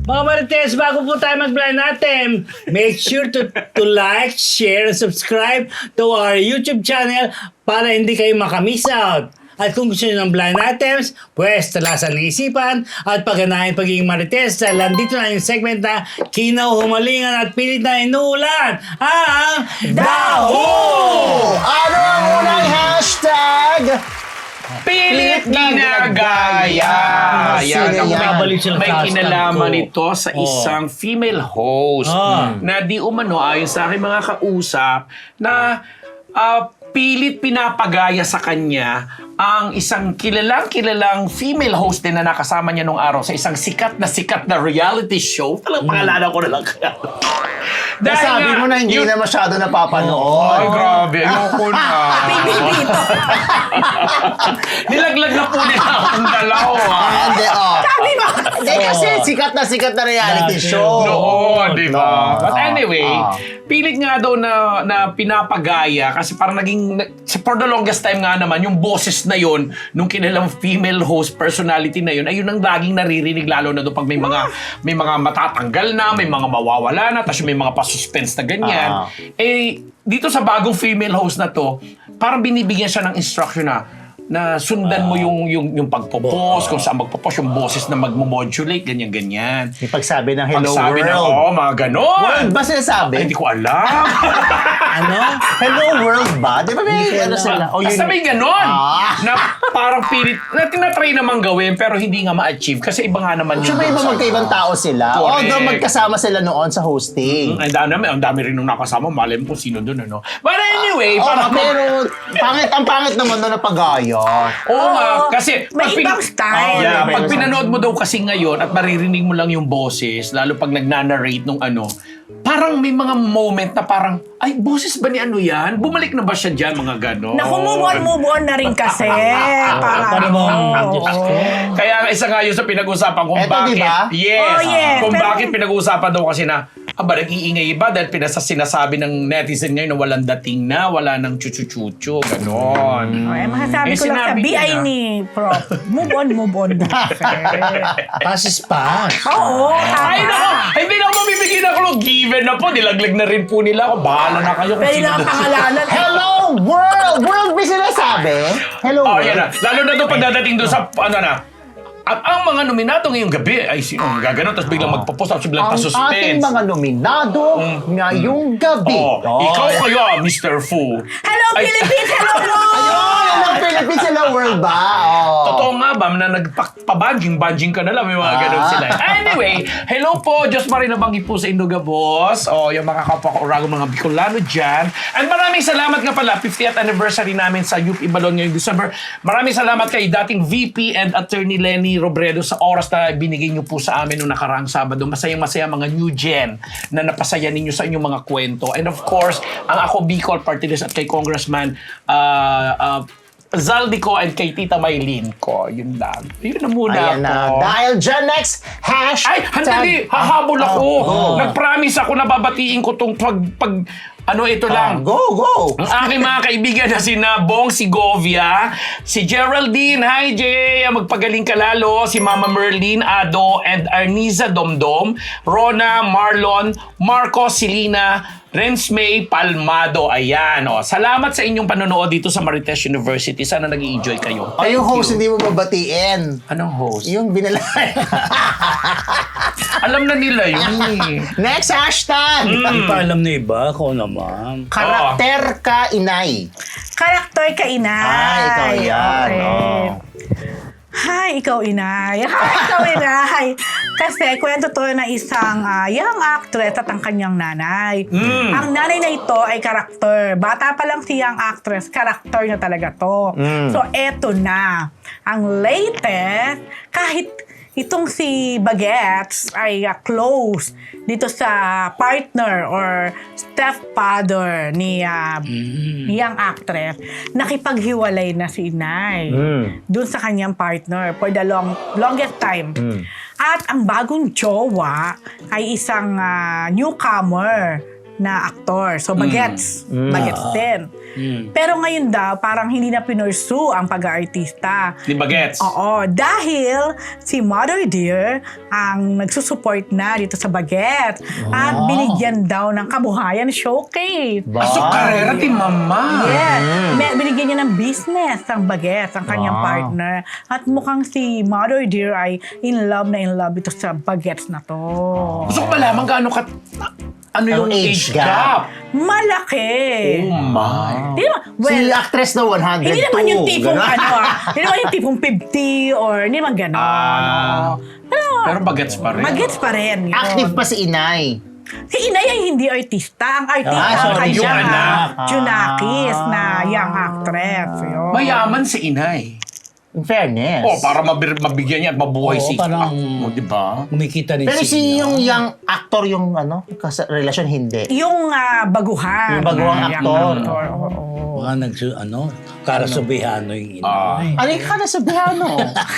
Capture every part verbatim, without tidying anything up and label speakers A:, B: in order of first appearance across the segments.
A: Mga Marites, bago po tayo mag-blind natin, make sure to, to like, share, and subscribe to our YouTube channel para hindi kayo makamiss out. At kung gusto nyo ng blind items, pwes talasan ng isipan at pagganahin pagiging Marites dahil nandito na yung segment na Kinaw, Humalingan at Pilit na Inuulan ang Daho!
B: Ano ang unang hashtag?
C: Pilit ginagaya.
B: Sino
C: Yan,
B: yan?
A: Nabalik sila
C: may
A: sa hashtag
C: kinalaman
A: ko.
C: ito sa
A: Oh.
C: isang female host
A: Ah.
C: na di umano ayon sa aking mga kausap na ah, pilit pinapagaya sa kanya ang isang kilalang kilalang female host din na nakasama niya nung araw sa isang sikat na sikat na reality show. Talang pangalanan ko na lang kaya.
B: Nasabi
C: nga,
B: mo na hindi
C: yung-
B: na masyado napapanood.
C: Ay, grabe. Ayoko na.
D: Pinipito.
C: Nilaglag na po nila akong dalawa.
B: Ah, Hindi, oh.
D: Sabi mo.
B: Hindi kasi sikat na sikat na reality
A: Dati.
B: show.
C: Oo, di ba?
B: No.
C: But
B: Ah,
C: anyway,
B: ah.
C: pilit nga daw na, na pinapagaya kasi parang naging, for the longest time nga naman, yung boses na yon nung kinilang female host personality na yun, ayun ang laging naririnig lalo na doon pag may mga, may mga matatanggal na, may mga mawawala na, tapos may mga pasuspense na ganyan.
B: Ah.
C: Eh, dito sa bagong female host na to, parang binibigyan siya ng instruction na, na sundan mo yung yung yung pagpo-post, kung saan magpo-post, yung boses na magmo-modulate, ganyan-ganyan.
B: Yung pagsabi ng hello
C: Pagsabi
B: world.
C: na, oh, mga ganon.
B: World ba sinasabi?
C: Ay, hindi ko alam.
A: Ano?
B: Hello world ba? Di ba may ano sila? O
C: Basta may ganon.
B: Ah.
C: Na parang pilit, na tinatry naman gawin, pero hindi nga ma-achieve. Kasi iba nga naman
B: Siya ba iba magkaibang tao sila?
C: Correct.
B: Although magkasama sila noon sa hosting.
C: Ang dami, ang dami rin nung nakasama. Malay mo kung sino doon, ano. But anyway,
B: Oh,
C: parang...
B: pero pangit ang pangit naman doon na pagaya.
C: Oo nga,
D: Oo.
C: kasi...
D: May
C: pag pin-
D: ibang style.
C: Yeah,
B: May
C: pag
B: ibang
C: pinanood mo daw kasi ngayon at maririnig mo lang yung boses, lalo pag nagnanarrate nung ano, parang may mga moment na parang, ay, boses ba ni ano yan? Bumalik na ba siya dyan, mga ganon?
D: Naku, move on, move on na rin kasi. Para
A: Para
D: ano.
A: bang- Diyos ko.
C: Kaya nga isa nga yun sa pinag-usapan kung
B: Eto,
C: bakit.
B: di ba?
C: Yes.
D: Oh, yes.
C: Kung
D: Pero-
C: bakit pinag-uusapan daw kasi na, aba, nag-iingay ba dahil pinasa sinasabi ng netizen ngayon na walang dating na, wala nang chuchu-chuchu, ganon.
D: Ay, masasabi
C: Eh,
D: ko lang sa
C: sinabi
D: B
C: niya
D: I
C: na.
D: ni Prof. Move on, move on.
A: Pass is pass.
D: Oo,
C: Ay,
D: tama.
C: nako! Hindi na ako mabibigyan ako ng given na po. Nilaglag na rin po nila ako. Bahala na kayo kung
D: Pwede
C: sino
D: lang ang
C: doon.
D: pangalanan.
B: Hello world! World ba sinasabi? Hello
C: Oh,
B: world?
C: yan na. Lalo na doon pagdadating doon sa, ano na, at ang mga nominado ngayong gabi ay sino ang gaganon, tapos biglang magpo-post, tapos biglang
B: Ang ating
C: pa-suspense.
B: mga nominado ngayong gabi.
C: Oh,
B: Oh.
C: ikaw kayo, Mister Fu.
D: Hello,
C: Ay,
D: Philippines! Hello, world!
B: Ayun! Ang Philippines hello world ba? Oh.
C: Totoo nga ba na nagpa-banjing-banjing ka na lang, may mga ganun
B: Ah.
C: sila. Anyway, hello po, Diyos Marie Nabangi po sa Indoga Boss. O, yung mga kapwa ko Urago, mga Bicolano dyan. And maraming salamat nga pala, fiftieth anniversary namin sa U P Ibalon ngayong December. Maraming salamat kay dating V P and Attorney Lenny Robredo sa oras na binigay niyo po sa amin noong nakaraang Sabado. Masayang-masaya mga new gen na napasaya ninyo sa inyong mga kwento. And of course, ang ako Bicol Party List at kay Congressman uh, uh, Zaldico and kay Tita Maylin ko. Yun lang. Yun na muna
B: Ayan na.
C: ako.
B: Dahil dyan next, hashtag...
C: Ay, handali! Hahabol ako!
B: Oh.
C: Nag-promise ako na babatiin ko tong pag... pag ano ito
B: Ah,
C: lang.
B: go, go!
C: Ang aking mga kaibigan na si Bong Segovia, si Geraldine, hi Jay, magpagaling ka lalo, si Mama Merlin, Ado, and Arniza Domdom, Rona, Marlon, Marco, Silina, Renz May Palmado. Ayan, oh. Salamat sa inyong panonood dito sa Marites University. Sana nag-i-enjoy kayo.
B: Ay, yung
C: Thank
B: host
C: you.
B: hindi mo babatiin.
C: Anong host?
B: Yung binalay.
C: Alam na nila yun eh.
B: Next hashtag!
A: Hindi pa alam na iba, ako naman.
B: Karakter ka inay.
D: Karakter ka, inay.
B: Ah, ikaw yan.
D: Okay.
B: Oh.
D: Hi, ikaw, inay. Hi, ikaw, inay. Kasi kwento to na isang ah, young actress at ang kanyang nanay.
C: Mm.
D: Ang nanay na ito ay karakter. Bata pa lang si young actress, karakter na talaga to.
B: Mm.
D: So, eto na. Ang latest, kahit itong si Bagets ay uh, close dito sa partner or stepfather ni uh, young actress, nakipaghiwalay na si inay
B: Mm.
D: dun sa kanyang partner for the long longest time. At ang bagong jowa ay isang uh, newcomer na aktor. So, bagets. Bagets din. Pero ngayon daw, parang hindi na pinursu ang pag-aartista.
C: Di ba gets?
D: Oo, dahil si Mother Dear ang nagsusupport na dito sa Bagets at binigyan daw ng kabuhayan showcase.
B: Ba?
C: Pasok karera ti mama.
D: Yes. May- Binigyan niya ng business ang Bagets, ang kanyang
B: Wow.
D: partner. At mukhang si Mother Dear ay in love na in love ito sa Bagets na to.
C: Gusto ko malaman gaano ka... Ano yung
B: Anong
C: age
B: age
C: gap?
B: gap?
D: Malaki.
C: Oh my.
D: Di naman, well,
B: si actress na one hundred two.
D: hindi naman yung tipong
B: Ganun.
D: ano ah. Hindi naman yung tipong fifty or hindi naman gano'n.
C: Ah.
D: Pero,
C: Pero bagets pa rin.
D: Bagets pa rin. yun.
B: Active pa si Inay.
D: Si Inay ay hindi artista. Ang artista
B: Ah,
D: ang
B: sorry,
D: kanya,
C: yung anak.
D: Junakis na young actress. Yun.
C: Mayaman si inay.
B: In fairness.
C: Oh, para mabir- mabigyan niya at mabuhay
A: Oo,
C: si...
A: parang-
C: Ah, oh, di ba?
A: Kumikita rin
B: Pero
A: si
B: si
A: Ina.
B: yung young actor, yung ano, kas- relasyon hindi.
D: Yung ah, baguhan.
B: Yung baguhang
D: na young
B: aktor.
D: actor, oo.
A: Mga nagsu, ano, Karasubiano yung ina.
C: Ah.
B: Ano yung Karasubiano?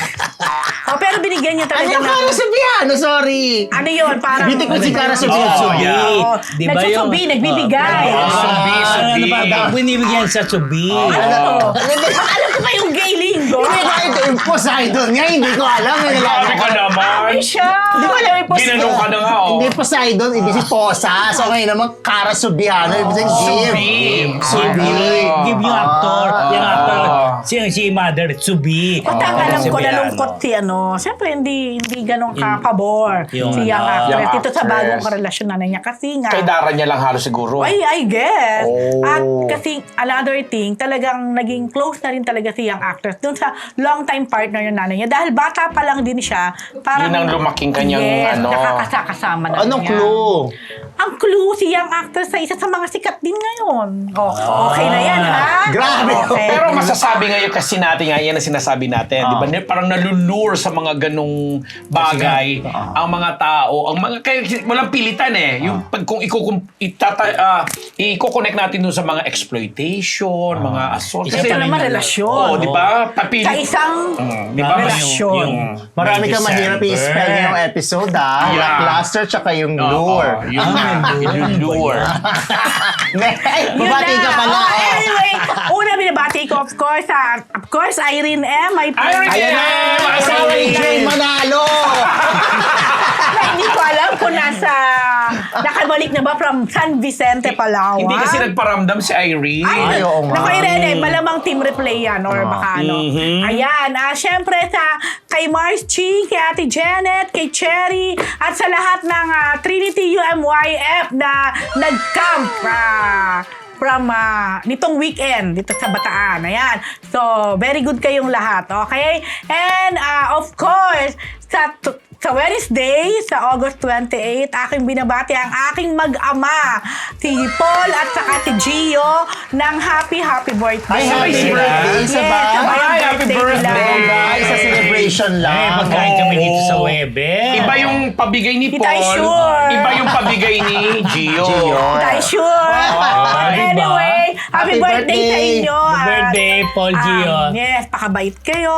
D: Oh, pero binigyan niya
B: ano
D: talaga
B: yung
D: ng...
B: Karasubiano? Sorry.
D: Ano yun? Parang...
B: Beauty ko si Karasubiano.
C: Oh, yeah.
D: Oo.
A: Di ba
D: Nagsusubi,
A: yung-
D: nagbibigay.
C: Ah, subi, subi.
A: Ano ba? Bakit binibigyan sa subi?
D: Ano to? Alam ko ba yung gay lingo?
B: Hindi ko ito yung Poseidon nga, hindi ko alam. Hindi ko
C: Grabe ka naman.
D: Ay siya!
B: Hindi ko alam yung Poseidon.
C: Ginanong ka na nga, oh.
B: Hindi Poseidon, ibig si Posa. So ngayon naman, Karasubiano, ibig sabihin give.
C: Subi.
B: Subi.
C: Ah.
A: Give yung actor. Yung actor.
C: Ah.
A: Si, si Mother Subi.
D: Basta ang alam ko,
A: Karasubiano.
D: nalungkot si ano. Siyempre, hindi hindi ganun kakabor
A: Yung
D: si young
A: ano,
D: actress.
C: young
D: Dito sa
C: actress.
D: bagong karelasyon na niya. Kasi nga,
C: Kay Dara niya lang halos siguro.
D: ay, I guess.
B: Oh.
D: At kasi another thing, talagang naging close na rin talaga si young actress dun sa long-time partner ng nanay niya. Dahil bata pa lang din siya. Parang,
C: Yun ang lumaking kanyang
D: yes,
C: ano.
D: nakakasakasama na
B: Anong
D: niya.
B: clue?
D: Ang clue, si young actress sa isa sa mga sikat din ngayon. Oh, okay na yan, ha?
B: Grabe.
D: Okay.
C: Pero masasabi ngayon kasi natin nga, yan ang sinasabi natin, di ba? Parang nalulure sa mga ganong bagay ang mga tao, ang mga, kaya walang pilitan eh. Yung pag kung ikukum, itata, ah, i-connect natin dun sa mga exploitation, mga assault.
A: Isa
D: Kasi
A: pa rin
D: naman
A: yun.
D: relasyon.
C: Oo, di ba? Papili.
D: Sa isang
C: Mm, di ba?
D: relasyon.
B: Marami
A: May
B: kang mahirap
A: December.
B: i-spell ngayong episode, ah.
C: Yeah.
B: Lackluster tsaka yung
C: Oo,
B: lure.
C: yun nga, yung lure.
B: Ay,
D: Yun
B: babati
D: na.
B: ka pala.
D: Oh,
B: oh.
D: anyway, una binabati ko, of course, ah, of course, Irene M. My
C: Irene
B: Ayan na,
C: Yeah,
B: asawa ni
C: Irene.
B: Jay Manalo.
D: na hindi ko alam kung nasa, nakabalik na ba from San Vicente, Palawan.
C: Hindi kasi nagparamdam si Irene.
D: Ay,
B: Ay, oo nga.
D: naku, Irene, malamang team replay yan or baka ano. Ayan, ah, syempre sa kay Mars Ching, kay Ate Janet, kay Cherry, at sa lahat ng ah, Trinity U M Y F na nag-camp ah, from ah, nitong weekend dito sa Bataan. Ayan. So, very good kayong lahat. Okay? And ah, of course, sa t- sa Wednesday, sa August twenty-eighth, aking binabati ang aking mag-ama, si Paul at saka si Gio, ng happy, happy birthday.
B: Ay, happy
C: Sabay sila.
B: birthday,
D: Yes,
B: sabay.
D: sabay ang
C: Ay, happy birthday.
D: nila.
B: Guys, sa celebration
A: Eh,
B: lang.
A: magkain kami
C: Oo.
A: dito sa Webe.
C: Iba yung pabigay ni
D: Kita
C: Paul.
D: sure.
C: Iba yung pabigay ni Gio.
B: Gio.
D: Tayo sure.
A: Ah,
D: But
A: diba?
D: anyway, happy,
B: Happy
D: birthday, sa
B: birthday.
D: inyo.
A: Happy
D: At,
A: birthday, Paul
D: um,
A: Gio.
D: Yes, pakabait kayo.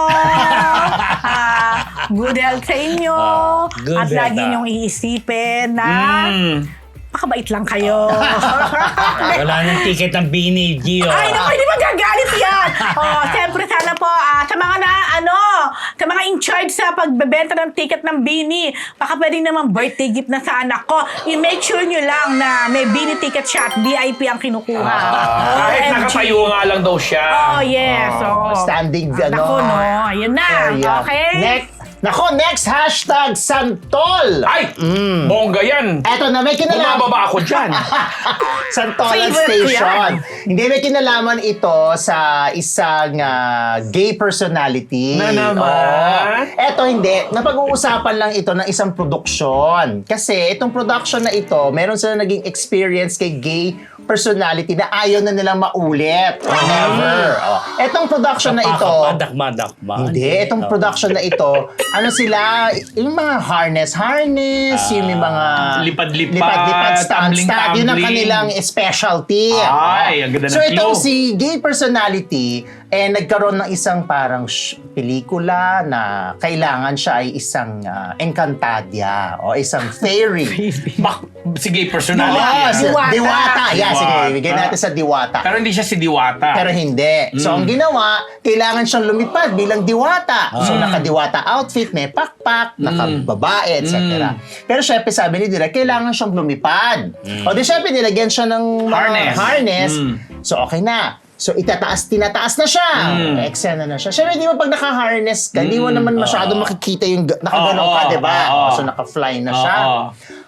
D: Ah, good health sa inyo.
A: Ah, good
D: At
A: health,
D: lagi
A: ah.
D: niyong iisipin na
C: Mm.
D: pakabait lang kayo.
A: Wala nang ticket ng Bini, Gio.
D: Ay, naku, hindi magagalit yan. Oh, siyempre sana po, ah, sa mga na, ano, sa mga in charge sa pagbebenta ng ticket ng Bini, baka pwedeng naman birthday gift na sa anak ko. I-make sure nyo lang na may Bini ticket siya at V I P ang kinukuha.
C: Ah, kahit
D: O M G.
C: nakatayo nga lang daw siya.
D: Oh, yes. Oh.
B: Standing, ano.
D: Naku, no. Ayun na.
B: area.
D: Okay?
B: Next. Nako, next hashtag, Santol.
C: Ay! Bongga yan.
B: Eto na, may kinalaman.
C: Bumababa ako dyan.
B: Santolan
D: Favorite ko
B: Station.
D: yan.
B: Hindi, may kinalaman ito sa isang ah, gay personality.
C: Na naman?
B: Oo. Eto hindi, napag-uusapan lang ito ng isang produksyon. Kasi itong production na ito, meron sila naging experience kay gay personality na ayaw na nilang maulit. Or never. Oh. Etong production na ito,
A: Dakma-dakma.
B: hindi, itong production na ito, ano sila, yung mga harness, harness, yung may mga
C: Lipad-lipad,
B: lipad-lipad, stand, stand, yun ang
C: tumbling-tumbling.
B: kanilang specialty.
C: Ay, ang ganda ng
B: So itong
C: clue.
B: si gay personality, Eh, nagkaroon ng isang parang sh- pelikula na kailangan siya ay isang uh, encantadya o isang fairy.
C: Bak- si gay personality.
B: Oo,
C: ah.
B: si-
D: Diwata.
B: Diwata. Yeah, sige,
C: Diwata.
B: bigyan natin sa Diwata.
C: Pero hindi siya si Diwata.
B: Pero hindi. So, ang ginawa, kailangan siyang lumipad bilang diwata. So, naka-diwata outfit, may pakpak, naka-babae, et cetera. Pero syempre, sabi ni Direk, kailangan siyang lumipad. O di syempre, nilagyan siya ng mga
C: Harness.
B: harness.
C: Mm.
B: So, okay na. So, itataas, tinataas na siya.
C: Mm.
B: Eksena na siya. Syempre, di ba pag naka-harness ka, di mo naman masyado makikita yung ga- nakaganon ka,
C: Oo,
B: di ba?
C: oo.
B: So, naka-fly na siya.
C: Oo.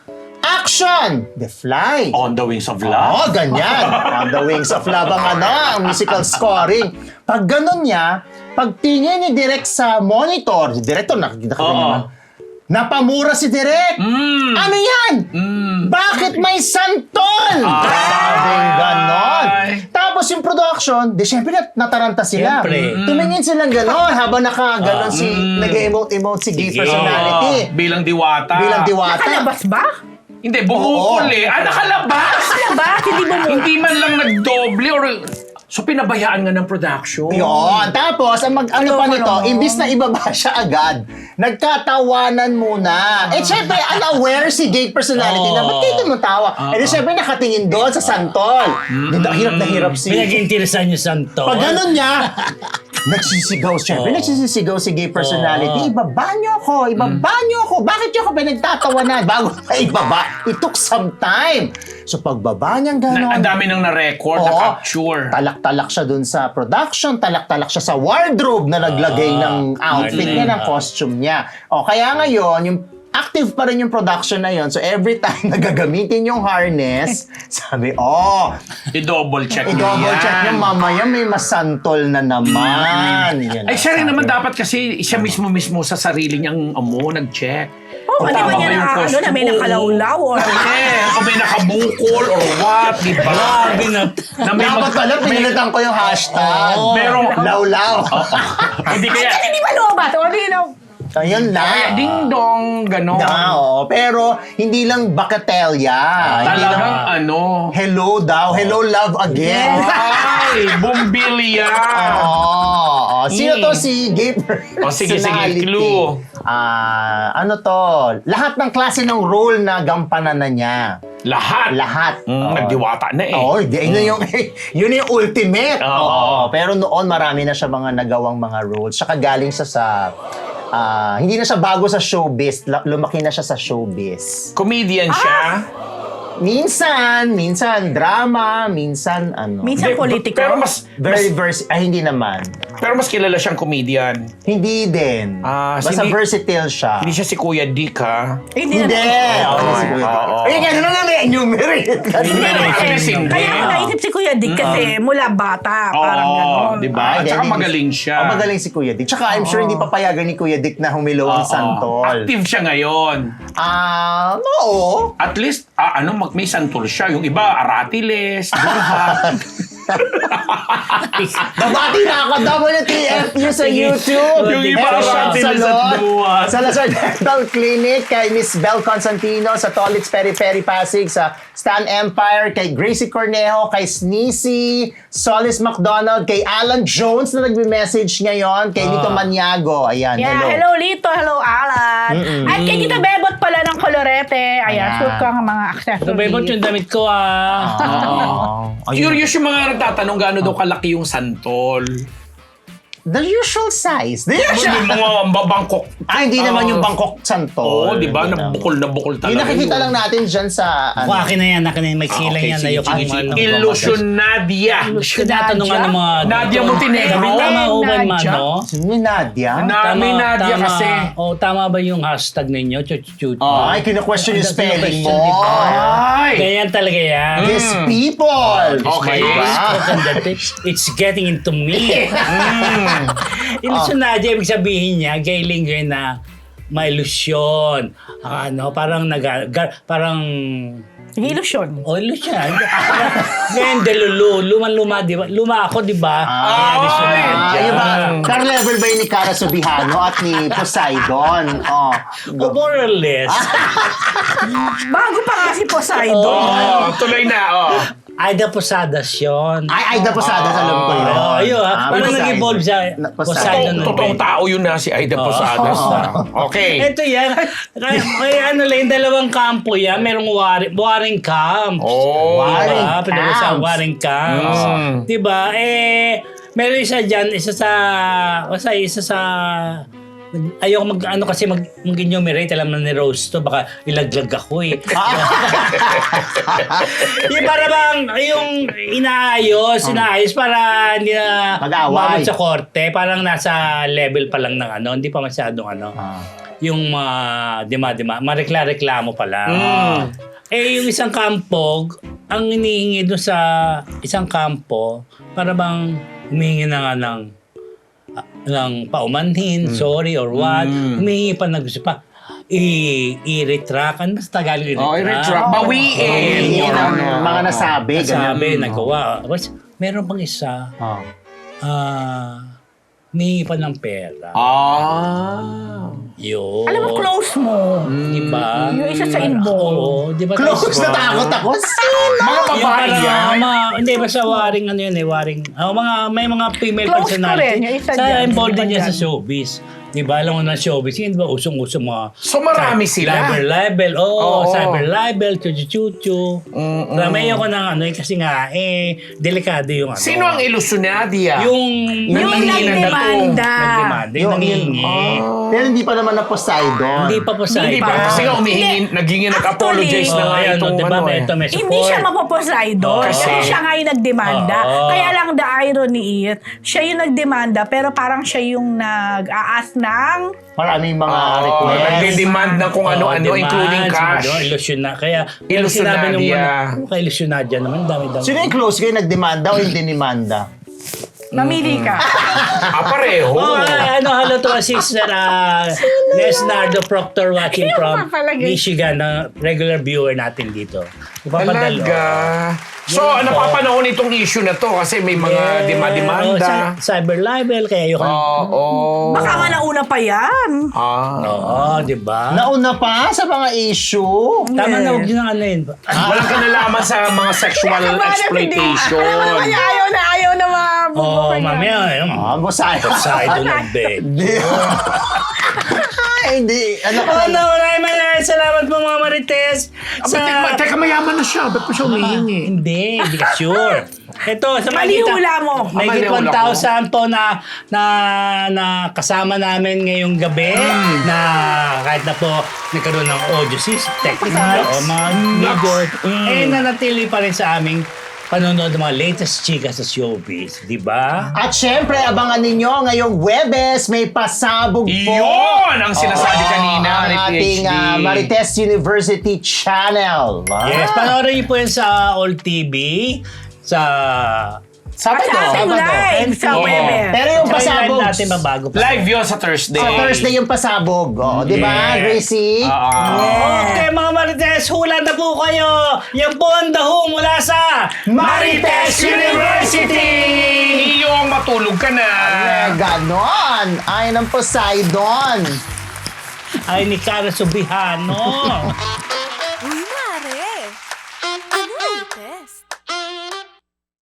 B: Action! The Fly.
C: On the Wings of
B: Oo,
C: Love.
B: ganyan. On the Wings of Love ang ano, ang musical scoring. Pag ganun niya, pag tingin ni Direk sa monitor, si Director, nakikita ka
C: Oo.
B: naman, napamura si Direk.
C: Mm.
B: Ano yan? Bakit may santol? Sabing ganon.
C: Ay.
B: Tapos yung production, di syempre nat- nataranta sila.
A: Siyempre.
B: Tumingin silang ganon habang naka-ganon si, nag-emote-emote si gay
A: Sige.
B: personality.
C: Oo, bilang Diwata.
B: Bilang diwata.
D: Nakalabas ba?
C: Hindi, bumukol
B: Oo.
C: eh. Ah, nakalabas!
D: Nakalabas? Hindi ba mo?
C: Hindi man lang nagdoble or... So, pinabayaan nga ng production.
B: Yun. Tapos, ang mag, ano pa
D: Ano
B: nito,
D: pa naman?
B: imbis na ibaba siya agad, nagkatawanan muna. Eh, syempre, unaware si gay personality na, ba't kayo tumatawa? Eh, di syempre, nakatingin doon sa santol. Di ba, hirap na hirap si...
A: Pinag-interesan niyo Santo.
B: Pag ganun niya, nagsisigaw siya.
A: Oo.
B: Nagsisigaw si gay personality.
A: Oo.
B: Ibaba niyo ako, ibaba niyo ako. Bakit niyo ako pinagtatawanan? Bago pa ibaba, it took some time. So, pagbaba niyang
C: Na,
B: gano'n,
C: ang dami nang na-record,
B: Oo.
C: na-capture.
B: talak-talak siya dun sa production, talak-talak siya sa wardrobe na naglagay ng outfit niya, ng costume niya. O kaya ngayon, yung active pa rin yung production na yon. So every time nagagamitin yung harness, sabi, oh,
C: I-double check
B: i-double check
C: yan.
B: yung mamaya may masantol na naman. Yan
C: Ay,
B: ang
C: siya rin
B: sabi.
C: naman dapat kasi siya mismo-mismo sa sarili niyang amo, nag-check.
D: Oh,
C: Kung
D: hindi ba
C: tama
D: niya
C: ba yung
D: na, ano,
C: costume?
D: na may nakalawlaw or...
C: Eh, kung may nakabukol or what, di ba?
A: Grabe na.
C: Na may
B: Dapat
C: mag-
B: pala,
C: may-
B: pinilitan ko yung hashtag.
A: Oo.
C: Merong-
B: Law-law.
C: Hindi kaya,
D: Kasi hindi ba lumabas? O, di na...
B: Ayun
C: kaya
B: lang.
C: ding-dong, gano'n.
B: Na, oo. Pero, hindi lang bakatelya. Hindi lang,
C: Talagang ano.
B: hello daw. Hello, love again.
C: Ay, bumbilya.
B: Oo. Sino
C: Mm.
B: to si gay
C: O, sige, sige,
B: personality?
C: clue.
B: Ah, ano to? Lahat ng klase ng role na gampanan na niya.
C: Lahat.
B: Lahat.
C: Mm,
B: Oo.
C: nagdiwata na eh.
B: Oo, di, yun yung, yun yung ultimate.
C: Oo.
B: Oo. Pero noon, marami na siya mga nagawang mga roles. Saka galing siya sa... ah, hindi na siya bago sa showbiz. La- Lumaki na siya sa showbiz.
C: Comedian siya.
B: Minsan, minsan drama, minsan ano.
D: Minsan
C: Hindi,
D: politiko.
C: Pero mas,
B: Very vers ay hindi naman.
C: pero mas kilala siyang comedian.
B: Hindi din.
C: Ah,
B: Basta
C: hindi-
B: versatile siya.
C: Hindi siya si Kuya Dick, ha?
D: Eh, hindi
B: Hindi.
D: na.
B: Oo,
C: Oo,
B: si Kuya
C: oo.
B: Dick. Eh, gano'n na may enumerate.
C: Hindi
D: Hindi,
C: naman
D: kasi-
C: kasi hindi.
D: Kaya ako naisip si Kuya Dick kasi mula bata, parang
C: Oo,
D: gano'n.
C: di ba?
B: Ay,
C: At saka
B: hindi.
C: magaling siya.
B: Oh, magaling si Kuya Dick. Tsaka I'm sure hindi papayagan ni Kuya Dick na humilaw ang
C: Oo.
B: santol.
C: Active siya ngayon.
B: Ah, oo.
C: At least, ah, ano, mag- may santol siya. Yung iba, aratiles, durha.
B: Babati na ako, W T F U sa YouTube.
C: Yung iba,
B: Health Shop
C: aratiles at
B: Salon,
C: duwas.
B: Salazar Dental Clinic, kay Miss Bel Constantino sa Tolits Peri Peri Pasig, sa Stan Empire, kay Gracie Cornejo, kay Sneezy, Solis McDonald, kay Alan Jones na nagme-message ngayon, kay Lito Maniago. Ayan,
D: Yeah,
B: hello.
D: hello Lito, hello Alan. At kay Tita Bebot pala ng Colorete. Ayan,
B: Ayan.
D: shoot ko ang mga accessories.
A: Ito ba yung damit ko ah?
B: Oh, ayun.
C: Curious yung mga nagtatanong gaano daw kalaki yung santol.
B: The usual size. The
C: Yung
B: usual.
C: mga babangkok.
B: Ah, hindi naman yung Bangkok
C: Oo,
B: Santol.
C: di ba?
B: Hindi naman.
C: Nabukol na bukol talaga.
B: Yung nakikita
C: yun.
B: lang natin dyan sa...
A: Kung akin na yan, akin na yan. May
C: Ah,
A: silang
C: okay,
A: yan.
C: sige,
A: Ayoko
C: sige,
A: yung
C: sige.
A: ano.
C: Illusion Nadia.
A: Tinatanungan ng mga...
C: Nadia Montenegro.
A: Sabi, tama ho ba man,
D: Nadia?
A: no?
B: Sino yung Nadia?
C: Na- Ah, may Nadia
A: tama,
C: kasi.
A: Oh, tama ba yung hashtag ninyo? Chuchuchuchu.
C: Oh.
B: Ay, kina-question yung
A: That's the
B: spelling
A: question,
B: mo.
A: di ba?
C: Ay!
A: Ganyan talaga yan.
B: These people.
C: Okay.
B: Diba?
A: Spoken that it- It's getting into me. Mm. Ilusyon na dyan, ibig sabihin niya, gay linger na may ilusyon. Ano, parang nag... ga- parang...
D: Illusion.
A: Oh, ilusyon. Ngayon, delulu. Luma-luma, di ba? Luma ako, di ba? Kaya ilusyon na
B: Ah,
A: dyan.
B: yung ba? Car-level ba yun ni Cara Subihano at ni Poseidon? Oh.
A: Oh, more or less.
D: Bago pa nga si Poseidon.
C: Oh, tuloy na, oh.
A: Aida Posadas yun.
B: Ay, ay, Posadas, alam ko yun.
A: Oo, yun.
B: Ah,
A: Parang
B: Poseidon.
A: nag-evolve siya.
B: Na-
A: Poseidon.
B: Poseidon.
A: nun.
C: Totoong tao yun na si Aida Posadas.
A: Oo.
C: na. Okay.
A: Ito yan. Kaya, kaya ano lang, yung dalawang kampo yan. Merong waring, waring camps.
C: Oh.
B: Waring
A: Diba? Pinag sa
B: camps.
A: waring camps.
C: Mm.
A: Diba? Eh, meron isa dyan, isa sa, basta isa sa, ayoko mag, ano kasi mag, mag-enumerate, alam na ni Rose to, baka ilaglag ako eh. yung para bang, yung inaayos, inaayos para hindi na
B: Mag-away.
A: umabot sa korte, parang nasa level pa lang ng ano, hindi pa masyadong ano,
B: Ah.
A: yung mga dima-dima, marekla-reklamo pa lang.
C: Mm.
A: Eh, yung isang kampo, ang hinihingi doon sa isang kampo, para bang humihingi na nga ng, ah, ng paumanhin, sorry or what,
C: Mm.
A: humihingi pa na gusto pa, i- i-retract. Ano mas Tagalog i-retract?
C: Oh, i-retract. Bawiin.
B: Yun
C: Yun
B: ang
C: ang-
B: mga nasabi.
A: Nasabi,
B: ganun.
A: nagawa. Tapos, meron pang isa,
B: Ah.
A: ah, humihingi pa ng pera.
C: Ah.
A: Yun.
D: Alam mo, close mo.
A: Diba?
D: Yung isa sa inbox.
A: Oo, di ba?
B: Close
A: Tapos-
B: na takot ako. Sino?
C: Mga
A: Yung
C: babae
A: parang,
C: yan.
A: ah, mga, hindi, basta waring ano yun eh, waring, ah, mga, may mga female
D: Close ko
A: personality.
D: rin, yung isa
A: sa
D: dyan,
A: involved
D: yung
A: din
D: iba
A: yan sa
D: dyan.
A: showbiz. Di ba? Alam mo na showbiz, yun di ba? Usong-usong mga...
C: So, marami sila.
A: Cyber libel, oo,
C: Oo.
A: cyber libel, chuchu-chuchu.
C: Mm-mm.
A: Ramay ako ng ano, eh, kasi nga, eh, delikado yung ano.
C: Sino ang ilusyonadya?
A: Yung...
D: Yung
C: Nangihingi ng
D: nagdemanda.
A: Nagdemanda, yung
B: Yung-
A: nangihingi.
B: Pero hindi pa naman na Poseidon.
A: Hindi pa po sa
C: Hindi ba? Kasi nga umihingi, naghingi nag-apologize na
A: Oh,
C: nga
A: ayan,
C: itong
A: di ba?
C: ano
A: May,
C: eh.
A: ito, may support.
D: Hindi siya mapoposeidon
A: Oo.
D: kasi
C: Kasi-
D: siya nga yung nagdemanda.
A: Oo.
D: Kaya lang the irony is, siya yung nagdemanda pero parang siya yung nag-aas ng
B: Maraming mga
C: Oh,
B: request.
C: nagde-demand ng kung
A: Oo,
C: ano-ano,
A: demand,
C: including cash.
A: Ano, ilusyon na. Kaya, kaya
C: Ilusyonadya.
A: sinabi nung muna, oh, kay ilusyonadya naman, dami-dami.
B: Sino yung close kayo? Nagdemanda o hindi demanda?
D: namili ka.
C: Ah, pareho.
A: Oh, ah, ano, hello to our sister, uh, Lesnardo Proctor watching
D: Yung
A: from
D: papalagay.
A: Michigan, na regular viewer natin dito. Ipapadalo.
C: Talaga. So,
A: Yun po.
C: napapanahon itong issue na to kasi may mga
A: Oh,
C: dima-demanda.
A: cy- cyber libel, kaya yung...
C: Oo.
D: Baka nga nauna pa yan.
C: Ah.
A: Oo, di ba?
B: Nauna pa sa mga issue.
A: Tama na, huwag nyo nang ano yun.
C: Walang kanalaman sa mga sexual exploitation.
D: Alam mo naman niya, ayaw na ayaw na mga
A: Oo,
D: bubuko
A: oh,
D: niya.
A: mamaya, ayun.
B: Ah, Poseidon.
A: Side to nag-bet.
B: Hindi. Ay, hindi. Ano ka?
A: Oh, no, maraming maraming salamat po mga Marites.
C: Sa... Teka, teka, mayaman na siya. Ba't pa siya humihingi?
A: Hindi, hindi ka sure. Ito, sa
D: Malihula mo.
A: May
C: Ah,
A: higit
C: malihula
A: one thousand po na, na, na kasama namin ngayong gabi
C: Hmm.
A: na kahit na po nagkaroon ng audio system, technical, o mga video,
C: Hmm.
A: eh nanatili pa rin sa aming panonood ng mga latest chika sa showbiz, di ba?
B: At syempre, abangan ninyo ngayong Webes, may pasabog po.
C: Yun ang sinasabi
B: Oo,
C: kanina
B: ang
C: ni
B: ating
C: P H D.
B: ah, Marites University channel. Ah.
A: Yes, panoorin niyo po yan sa All T V, sa...
B: Sabado.
D: Sa ating
B: Sabado.
D: live sa
C: Oo.
D: Webes.
B: Pero yung
A: Tsaka yung live
B: pasabog,
A: natin mabago pa.
C: Live yun sa Thursday.
B: sa Thursday yung pasabog. Oh, di ba,
A: Yes.
B: Gracie?
C: Ah.
A: Okay mga Marites, hula na po kayo! Yan po ang daho mula sa
B: Marites University!
C: Iyong matulog ka na.
B: Eh, ganon. Ay ng Poseidon.
A: ay ni Cara Subihano.